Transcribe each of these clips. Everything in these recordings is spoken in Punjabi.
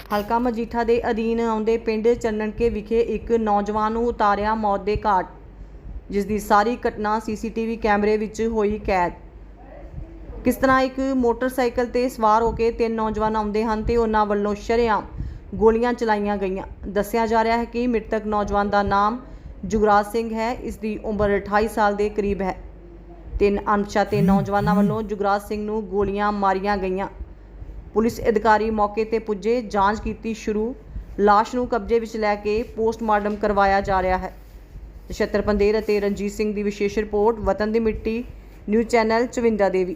ਹਲਕਾ ਮਜੀਠਾ ਦੇ ਅਧੀਨ ਆਉਂਦੇ ਪਿੰਡ ਚੰਨਣਕੇ ਵਿਖੇ ਇੱਕ ਨੌਜਵਾਨ ਨੂੰ ਉਤਾਰਿਆ ਮੌਤ ਦੇ ਘਾਟ, ਜਿਸ ਦੀ ਸਾਰੀ ਘਟਨਾ ਸੀਸੀਟੀਵੀ ਕੈਮਰੇ ਵਿੱਚ ਹੋਈ ਕੈਦ। ਕਿਸ ਤਰ੍ਹਾਂ ਇੱਕ ਮੋਟਰਸਾਈਕਲ ਤੇ ਸਵਾਰ ਹੋ ਕੇ ਤਿੰਨ ਨੌਜਵਾਨ ਆਉਂਦੇ ਹਨ ਤੇ ਉਹਨਾਂ ਵੱਲੋਂ ਸ਼ਰੇਆਮ ਗੋਲੀਆਂ ਚਲਾਈਆਂ ਗਈਆਂ। ਦੱਸਿਆ ਜਾ ਰਿਹਾ ਹੈ ਕਿ ਮ੍ਰਿਤਕ ਨੌਜਵਾਨ ਦਾ ਨਾਮ ਜੁਗਰਾਜ ਸਿੰਘ ਹੈ। ਇਸ ਦੀ ਉਮਰ 28 ਸਾਲ ਦੇ ਕਰੀਬ ਹੈ। ਤਿੰਨ ਅਣਪਛਾਤੇ ਨੌਜਵਾਨਾਂ ਵੱਲੋਂ ਜੁਗਰਾਜ ਸਿੰਘ ਨੂੰ ਗੋਲੀਆਂ ਮਾਰੀਆਂ ਗਈਆਂ। ਪੁਲਿਸ ਅਧਿਕਾਰੀ ਮੌਕੇ ਤੇ ਪੁੱਜੇ, ਜਾਂਚ ਕੀਤੀ ਸ਼ੁਰੂ। ਲਾਸ਼ ਨੂੰ ਕਬਜ਼ੇ ਵਿੱਚ ਲੈ ਕੇ ਪੋਸਟਮਾਰਟਮ ਕਰਵਾਇਆ ਜਾ ਰਿਹਾ ਹੈ। ਨਛੱਤਰ ਪੰਦੇਰ ਅਤੇ ਰਣਜੀਤ ਸਿੰਘ ਦੀ ਵਿਸ਼ੇਸ਼ ਰਿਪੋਰਟ, ਵਤਨ ਦੀ ਮਿੱਟੀ, ਨਿਊਜ਼ ਚੈਨਲ ਚਵਿੰਦਾ ਦੇਵੀ।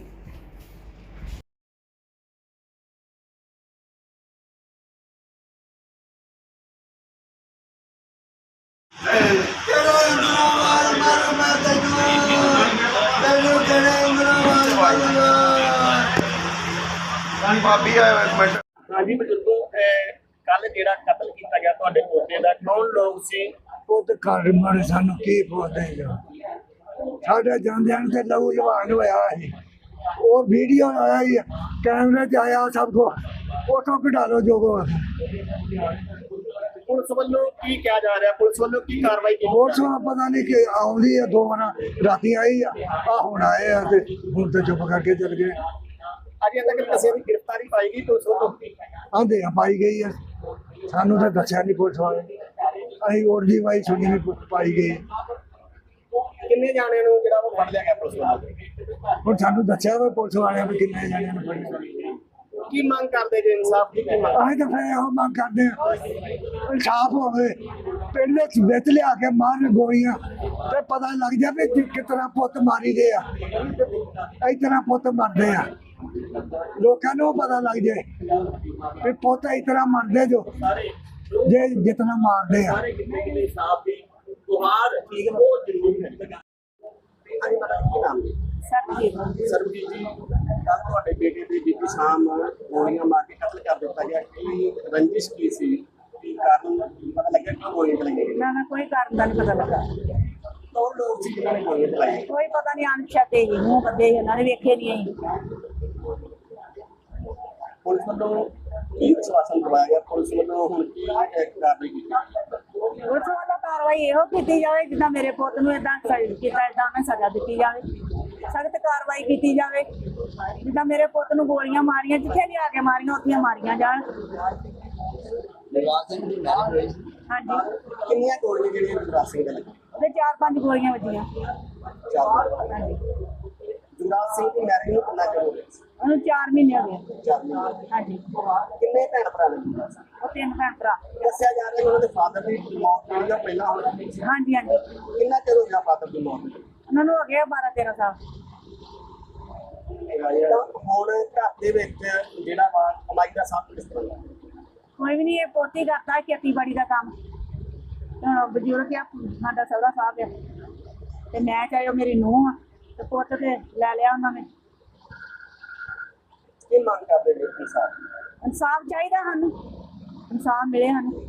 ਹਾਂਜੀ ਬਜ਼ੁਰਗੋ, ਕੱਲ ਜਿਹੜਾ ਕਤਲ ਕੀਤਾ ਗਿਆ ਤੁਹਾਡੇ ਪੋਤੇ ਦਾ, ਕੌਣ ਲੋਕ ਸੀ? ਪੁੱਤ ਘਰ ਮਾਰੇ ਸਾਨੂੰ ਕੀ ਪੁੱਛਦੇ ਸਾਡੇ ਜਾਂਦਿਆਂ ਨੂੰ ਤੇ ਲਹੂ ਲਵਾਨ ਹੋਇਆ ਸੀ। ਉਹ ਵੀਡੀਓ ਆਇਆ ਹੀ ਕੈਮਰੇ 'ਚ ਆਇਆ, ਸਭ ਕੋ ਉਥੋਂ ਕਢਾ ਲਓ ਜੋ ਕੋ। ਪੁਲਿਸ ਵੱਲੋਂ ਕੀ ਕਿਹਾ ਜਾ ਰਿਹਾ? ਪੁਲਿਸ ਵੱਲੋਂ ਕੀ ਕਾਰਵਾਈ ਕੀਤੀ? ਪੁਲਿਸ ਨੂੰ ਪਤਾ ਨਹੀਂ ਕਿ ਆਉਂਦੀ ਆ, ਦੋ ਵਾਰ ਰਾਤੀ ਆਈ ਆ, ਹੁਣ ਆਏ ਆ ਤੇ ਹੁਣ ਤੇ ਚੁੱਪ ਕਰਕੇ ਚਲ ਗਏ। ਅਜੇ ਤੱਕ ਕਿਸੇ ਦੀ ਗ੍ਰਿਫਤਾਰੀ ਪਾਈ ਗਈ ਪੁਲਿਸ ਵੱਲੋਂ? ਆਂਦੇ ਆ ਪਾਈ ਗਈ ਆ, ਸਾਨੂੰ ਤਾਂ ਦੱਸਿਆ ਨਹੀਂ ਪੁਲਿਸ ਵਾਲੇ। ਅਸੀਂ ਉੜਦੀ ਵਾਈ ਸੁਣੀ ਨਹੀਂ ਪਾਈ ਗਈ। ਕਿੰਨੇ ਜਾਣਿਆਂ ਨੂੰ ਜਿਹੜਾ ਉਹ ਫੜ ਲਿਆ ਗਿਆ ਪੁਲਿਸ ਵੱਲੋਂ? ਹੁਣ ਸਾਨੂੰ ਦੱਸਿਆ ਵਾ ਪੁਲਿਸ ਵਾਲਿਆਂ ਨੇ ਕਿੰਨੇ ਜਾਣਿਆਂ ਨੂੰ ਫੜਿਆ। ਕੀ ਮੰਗ ਕਰਦੇ ਜੇ? ਇਨਸਾਫ ਦੀ ਕੀ ਮੰਗ? ਅਸੀਂ ਤਾਂ ਫਿਰ ਇਹੋ ਮੰਗ ਕਰਦੇ ਹਾਂ, ਇਨਸਾਫ ਹੋਵੇ। ਪਿੰਡ ਵਿੱਚ ਲਿਆ ਕੇ ਮਾਰਨ ਗੋਲੀਆਂ ਤੇ ਪਤਾ ਲੱਗ ਜਾਵੇ ਕਿਸ ਤਰ੍ਹਾਂ ਪੁੱਤ ਮਾਰੀ ਦੇ ਆ, ਇਸ ਤਰ੍ਹਾਂ ਪੁੱਤ ਮਰਦੇ ਆ। ਲੋਕਾਂ ਨੂੰ ਪਤਾ ਲੱਗ ਜਾਏ ਵੀ ਪੁੱਤ ਇਸ ਤਰ੍ਹਾਂ ਮਰਦੇ ਜੋ ਜੇ ਜਿਤਨਾ ਮਾਰਦੇ ਆ। ਇਨਸਾਫ ਦੀ ਗੁਹਾਰ ਠੀਕ ਬਹੁਤ ਜ਼ਰੂਰੀ ਹੈ। ਹਾਂਜੀ ਮੈਡਮ, ਕੀ ਨਾਮ ਹੈ? ਸਰਬਜੀਤ ਜੀ, ਕੱਲ ਤੁਹਾਡੇ ਬੇਟੇ ਦੇ ਬੀਤੀ ਸ਼ਾਮ ਗੋਲੀਆਂ ਮਾਰ ਕੇ ਕਤਲ ਕਰ ਦਿੱਤਾ ਗਿਆ। ਕੀ ਰੰਜਿਸ਼ ਕੀ ਸੀ? ਕੀ ਕਾਰਨ ਪਤਾ ਲੱਗਿਆ ਕਿ ਗੋਲੀਆਂ ਚਲਾਈਆਂ ਗਈਆਂ? ਨਾ ਕੋਈ ਕਾਰਨ ਦਾ ਨਹੀਂ ਪਤਾ ਲੱਗਾ। ਕੌਣ ਲੋਕ ਸੀ ਜਿਨ੍ਹਾਂ ਨੇ ਗੋਲੀਆਂ ਚਲਾਈਆਂ? ਕੋਈ ਪਤਾ ਨਹੀਂ, ਅਣਪਛਾਤੇ ਹੀ ਮੂੰਹ ਕੱਢੇ ਇਹਨਾਂ ਨੇ ਵੇਖੇ ਨਹੀਂ ਅਸੀਂ। ਪੁਲਿਸ ਵੱਲੋਂ ਕੀ ਵਿਸ਼ਵਾਸਨ ਦਵਾਇਆ ਗਿਆ? ਪੁਲਿਸ ਵੱਲੋਂ ਹੁਣ ਕੀ ਕਾਰਵਾਈ ਕੀਤੀ? ਪੁਲਿਸ ਵੱਲੋਂ ਕਾਰਵਾਈ ਇਹੋ ਕੀਤੀ ਜਾਵੇ ਜਿੱਦਾਂ ਮੇਰੇ ਪੁੱਤ ਨੂੰ ਏਦਾਂ ਕੀਤਾ, ਏਦਾਂ ਉਹਨੇ ਸਜ਼ਾ ਦਿੱਤੀ ਜਾਵੇ, ਸਖਤ ਕਾਰਵਾਈ ਕੀਤੀ ਜਾਵੇ। ਜਿੱਦਾਂ ਮੇਰੇ ਪੁੱਤ ਨੂੰ ਗੋਲੀਆਂ ਮਾਰੀਆਂ, ਜਿੱਥੇ ਵੀ ਆ ਕੇ ਮਾਰੀਆਂ ਉੱਥੇ ਮਾਰੀਆਂ ਜਾਣ। ਹਾਂਜੀ, ਕਿੰਨੀਆਂ ਗੋਲੀਆਂ ਜਿਹੜੀਆਂ ਜੁਗਰਾਜ ਸਿੰਘ ਦੇ ਲੱਗੀਆਂ? ਉਹਦੇ 4-5 ਗੋਲੀਆਂ ਵੱਜੀਆਂ। ਹਾਂਜੀ, ਜੁਗਰਾਜ ਸਿੰਘ ਦੀ ਮੈਰਿਜ ਨੂੰ ਕਿੰਨਾ ਚਿਰ ਹੋ ਗਿਆ? ਉਹਨੂੰ 4 ਮਹੀਨੇ ਹੋ ਗਏ। 4 ਮਹੀਨੇ। ਹਾਂਜੀ, ਕਿੰਨੇ ਭੈਣ ਭਰਾ ਨੇ ਜੁਗਰਾਜ ਸਿੰਘ? ਉਹ 3 ਭੈਣ ਭਰਾ। ਦੱਸਿਆ ਜਾ ਰਿਹਾ ਕਿ ਉਹਨਾਂ ਦੇ ਫਾਦਰ ਦੀ ਮੌਤ ਹੋਈ ਜਾਂ ਪਹਿਲਾਂ ਹੋਈ? ਹਾਂਜੀ ਹਾਂਜੀ, ਕਿੰਨਾ ਚਿਰ ਹੋ ਗਿਆ ਫਾਦਰ ਦੀ ਮੌਤ ਨੂੰ? ਉਹਨਾਂ ਨੂੰ ਹੋ ਗਿਆ 12-13 ਸਾਲ। ਹੁਣ ਘਰ ਦੇ ਵਿੱਚ ਜਿਹੜਾ ਵਾ ਕਮਾਈ ਦਾ ਸਾਧਨ ਕਿਸ ਤਰ੍ਹਾਂ ਦਾ? ਕੋਈ ਵੀ ਨਹੀਂ, ਇਹ ਪੋਤੀ ਕਰਦਾ ਖੇਤੀਬਾੜੀ ਦਾ ਕੰਮ। ਹੁਣ ਬਜ਼ੁਰਗ ਆ ਸਾਡਾ, ਸਹੁਰਾ ਸਾਹਿਬ ਆ, ਤੇ ਮੈਂ ਚਾਹੇ ਉਹ ਮੇਰੀ ਨੂੰਹ ਆ, ਤੇ ਪੁੱਤ ਤੇ ਲੈ ਲਿਆ ਉਹਨਾਂ ਨੇ। ਕੀ ਮੰਗ ਕਰਦੇ ਨੇ ਇਨਸਾਫ? ਇਨਸਾਫ ਚਾਹੀਦਾ ਸਾਨੂੰ, ਇਨਸਾਫ ਮਿਲੇ ਸਾਨੂੰ।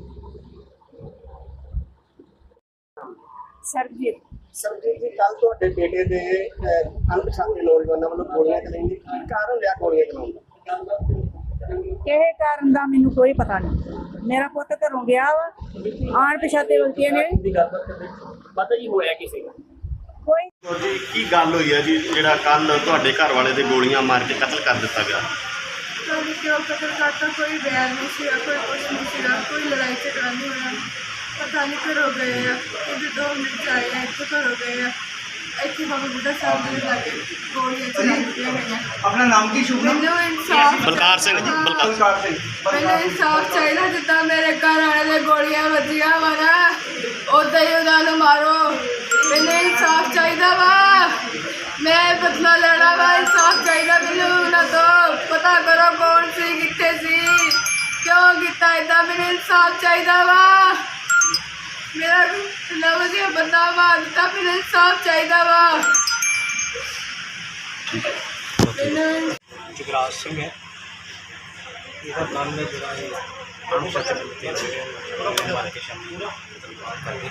ਸਰਬਜੀਤ। ਸਰਬਜੀਤ ਜੀ, ਕੱਲ ਤੁਹਾਡੇ ਬੇਟੇ ਦੇ ਅਣਪਛਾਤੇ ਨੌਜਵਾਨਾਂ ਵੱਲੋਂ ਗੋਲੀਆਂ ਚਲਾਈਆਂ, ਕੀ ਕਾਰਨ ਰਿਹਾ ਗੋਲੀਆਂ ਚਲਾਉਣ ਦਾ? ਕਿਸੇ ਕਾਰਨ ਦਾ ਮੈਨੂੰ ਕੋਈ ਪਤਾ ਨਹੀਂ। ਮੇਰਾ ਪੁੱਤ ਘਰੋਂ ਗਿਆ ਵਾ, ਆਣ ਪਛਾਤੇ ਵਿਅਕਤੀਆਂ ਨੇ ਪਤਾ ਹੀ ਹੋਇਆ ਕਿਸੇ ਦਾ? ਕੋਈ ਜੀ ਕੀ ਗੱਲ ਹੋਈ ਹੈ ਜੀ, ਜਿਹੜਾ ਕੱਲ ਤੁਹਾਡੇ ਘਰ ਵਾਲੇ ਦੇ ਗੋਲੀਆਂ ਮਾਰ ਕੇ ਕਤਲ ਕਰ ਦਿੱਤਾ ਗਿਆ? ਤੁਹਾਨੂੰ ਕਿਉਂ ਕਤਲ ਕਰਤਾ? ਕੋਈ ਬਿਆਨ ਨਹੀਂ ਸੀ, ਕੋਈ ਕੁਛ ਨਹੀਂ ਸੀਗਾ, ਕੋਈ ਲੜਾਈ ਝਗੜਾ ਨਹੀਂ ਹੋਇਆ। ਪਤਾ ਨਹੀਂ ਘਰੋਂ ਗਏ ਆ, ਇਹਦੇ 2 ਮਿੰਟ ਆਏ ਆ, ਇੱਥੇ ਘਰੋਂ ਗਏ ਆ, ਇੱਥੇ ਬਾਬਾ ਬੁੱਢਾ ਸਾਹਿਬ ਦੇ ਲਾਗੇ ਗੋਲੀਆਂ ਚਲਾ ਦਿੱਤੀਆਂ ਗਈਆਂ। ਆਪਣਾ ਨਾਮ ਕੀ? ਸ਼ੁਭ ਨਾਮ? ਮੈਨੂੰ ਇਨਸਾਫ, ਬਲਕਾਰ ਸਿੰਘ ਜੀ, ਬਲਕਾਰ ਸਿੰਘ। ਮੈਨੂੰ ਇਨਸਾਫ ਚਾਹੀਦਾ। ਜਿੱਦਾਂ ਮੇਰੇ ਘਰ ਵਾਲੇ ਦੇ ਗੋਲੀਆਂ ਵੱਜੀਆਂ ਵਾ ਨਾ, ਉੱਦਾਂ ਹੀ ਉਹਨਾਂ ਨੂੰ ਮਾਰੋ। ਮੈਨੂੰ ਇਨਸਾਫ ਚਾਹੀਦਾ ਵਾ, ਮੈਂ ਬਦਲਾ ਲੈਣਾ ਵਾ। ਇਨਸਾਫ ਚਾਹੀਦਾ ਮੈਨੂੰ ਉਹਨਾਂ ਤੋਂ। ਪਤਾ ਕਰੋ ਕੌਣ ਸੀ, ਕਿੱਥੇ ਸੀ, ਕਿਉਂ ਕੀਤਾ ਏਦਾਂ। ਮੈਨੂੰ ਇਨਸਾਫ ਚਾਹੀਦਾ ਵਾ। ਮੇਰਾ ਨਵਾਂ ਜਿਹਾ ਬੰਦਾ ਮਾਰ ਦਿੱਤਾ, ਮੈਨੂੰ ਇਨਸਾਫ ਚਾਹੀਦਾ ਵਾ। ਮੈਨੂੰ ਜੁਗਰਾਜ ਸਿੰਘ ਹੈ, ਇਹਦਾ ਨਾਮ ਹੈ ਜਿਹੜਾ ਅਣਪਛਾਤੇ ਵਿਅਕਤੀ ਮਾਰ ਕੇ ਸ਼ਾਮੀ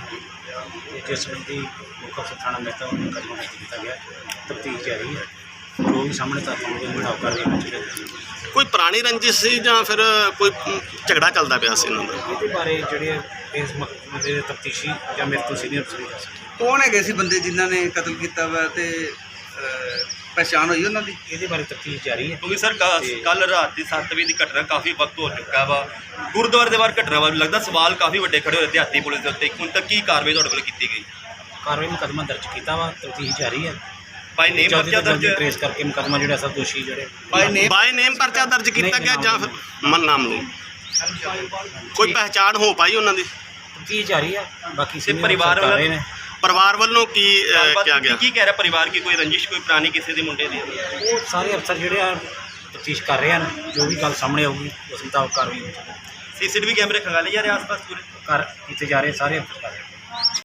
ਜਿਸ ਸੰਬੰਧੀ ਮੁੱਖ ਅਫਸਰ ਥਾਣਾ ਮਹਿਤਾ ਨੂੰ ਮੁਕੱਦਮਾ ਦਰਜ ਕੀਤਾ ਗਿਆ। ਤਫਤੀਸ਼ ਜਾਰੀ ਹੈ। ਜੋ ਵੀ ਸਾਹਮਣੇ ਤੱਕ ਆਉਂਦੇ ਮੁਤਾਬਕ ਕਾਰਵਾਈ ਹੋਣੀ ਚਾਹੀਦੀ। ਕੋਈ ਪੁਰਾਣੀ ਰੰਜਿਸ਼ ਸੀ ਜਾਂ ਫਿਰ ਕੋਈ ਝਗੜਾ ਚੱਲਦਾ ਪਿਆ ਸੀ ਇਹਨਾਂ ਦਾ? ਇਹਦੇ ਬਾਰੇ ਜਿਹੜੇ ਇਸ ਮਸਲੇ ਦੇ ਤਫਤੀਸ਼ੀ ਜਾਂ ਮੇਰੇ ਤੋਂ ਸੀਨੀਅਰ ਅਫਸਰ ਦੱਸ ਸਕਦੇ। ਕੌਣ ਹੈਗੇ ਸੀ ਬੰਦੇ ਜਿਨ੍ਹਾਂ ਨੇ ਕਤਲ ਕੀਤਾ ਵਾ ਤੇ ਪਛਾਣ ਹੋਈ ਉਹਨਾਂ ਦੀ? ਇਹਦੇ ਬਾਰੇ ਤਫਤੀਸ਼ ਜਾਰੀ ਹੈ। ਕਿਉਂਕਿ ਸਰ ਕੱਲ ਰਾਤ ਦੀ 7 ਵਜੇ ਦੀ ਘਟਨਾ ਕਾਫੀ ਵਕਤ ਹੋ ਚੁੱਕਾ ਵਾ, ਗੁਰਦੁਆਰੇ ਦੇ ਬਾਹਰ ਘਟਨਾ ਵਾ, ਲੱਗਦਾ ਸਵਾਲ ਕਾਫੀ ਵੱਡੇ ਖੜੇ ਹੋਏ ਦਿਹਾਤੀ ਪੁਲਿਸ ਦੇ ਉੱਤੇ। ਹੁਣ ਤੱਕ ਕੀ ਕਾਰਵਾਈ ਤੁਹਾਡੇ ਕੋਲ ਕੀਤੀ ਗਈ? ਕਾਰਵਾਈ ਮੁਕੱਦਮਾ ਦਰਜ ਕੀਤਾ ਵਾ, ਤਫਤੀਸ਼ ਜਾਰੀ ਹੈ। ਬਾਈ ਨੇਮ ਪਰਚਾ ਦਰਜ ਟ੍ਰੇਸ ਕਰਕੇ ਮੁਕੱਦਮਾ ਜਿਹੜਾ ਸਭ ਦੋਸ਼ੀ ਜਿਹੜੇ ਬਾਈ ਨੇਮ ਪਰਚਾ ਦਰਜ ਕੀਤਾ ਗਿਆ ਜਾਂ ਫਿਰ ਮਨ ਨਾਮ ਨੂੰ ਕੋਈ ਪਹਿਚਾਣ ਹੋ ਪਾਈ ਉਹਨਾਂ ਦੀ? ਤਫਤੀਸ਼ ਜਾਰੀ ਹੈ। ਬਾਕੀ senior ਪਰਿਵਾਰ ਅਫਸਰ ਕਰ ਰਹੇ ਨੇ। ਪਰਿਵਾਰ ਵੱਲੋਂ ਕੀ ਕਿਹਾ ਗਿਆ? ਕੀ ਕਹਿ ਰਿਹਾ ਪਰਿਵਾਰ ਕੀ ਕੋਈ ਰੰਜਿਸ਼ ਕੋਈ ਪੁਰਾਣੀ ਕਿਸੇ ਦੇ ਮੁੰਡੇ ਦੀ? ਉਹ ਸਾਰੇ ਅਫਸਰ ਜਿਹੜੇ ਆ ਤਫਤੀਸ਼ ਕਰ ਰਹੇ ਹਨ, ਜੋ ਵੀ ਗੱਲ ਸਾਹਮਣੇ ਆਊਗੀ ਉਸ ਮੁਤਾਬਕ ਕਾਰਵਾਈ ਹੋਣੀ ਚਾਹੀਦੀ। ਸੀਸੀਟੀਵੀ ਕੈਮਰੇ ਖੰਗਾਲੇ ਜਾ ਰਹੇ ਆਸ-ਪਾਸ ਪੂਰੇ? ਕਰ ਕੀਤੇ ਜਾ ਰਹੇ ਸਾਰੇ ਅਫਸਰ ਕਰ ਰਹੇ।